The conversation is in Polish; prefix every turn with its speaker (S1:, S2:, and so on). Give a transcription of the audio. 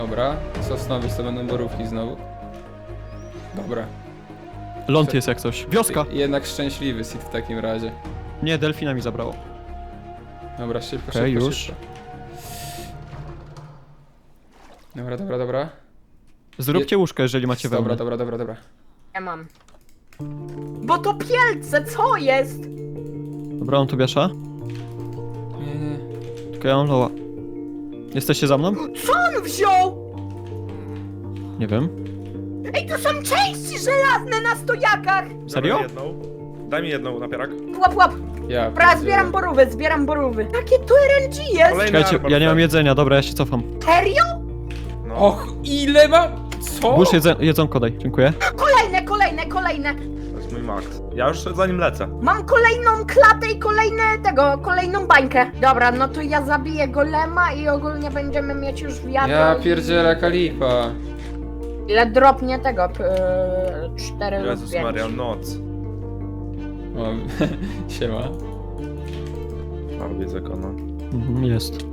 S1: Dobra, sosnowiec to będą borówki znowu. Dobra.
S2: Ląd jest jak coś. Wioska!
S1: Jednak szczęśliwy Sid w takim razie.
S2: Nie, delfina mi zabrało.
S1: Dobra, szybko,
S2: Okej,
S1: szybko,
S2: już.
S1: szybko. Dobra, dobra, dobra.
S2: Zróbcie łóżko, jeżeli macie wełnę.
S1: Dobra, dobra, dobra, dobra.
S3: Ja mam. Bo to pielce, co jest?
S2: Dobra, on tu wiesza.
S1: Nie, nie.
S2: Tylko ja mam loła. Jesteście za mną?
S3: Co on wziął?
S2: Nie wiem.
S3: Ej, to są części żelazne na stojakach!
S2: Serio?
S4: Daj mi jedną. Daj mi jedną, napierak.
S3: Łap, łap.
S1: Ja
S3: Dobra,
S1: pierdzielę.
S3: zbieram borówy. Jakie tu RNG jest?
S4: Kolejny
S2: Czekajcie,
S4: arbor
S2: ja nie mam
S4: wtedy.
S2: jedzenia, dobra, ja się cofam.
S3: Serio?
S4: No.
S1: Och, ile mam? Co?
S2: Włóż jedzonko daj, dziękuję.
S3: Kolejne.
S4: To jest mój max. Ja już za nim lecę.
S3: Mam kolejną klatę i kolejną bańkę. Dobra, no to ja zabiję golema i ogólnie będziemy mieć już wiatr.
S1: Ja pierdzielę Kalipa.
S3: Ile dropnie tego? 4 lub
S4: Jezus
S3: 5.
S4: Maria, noc.
S1: O, siema.
S4: A, widzę go, no.
S2: Mhm, jest.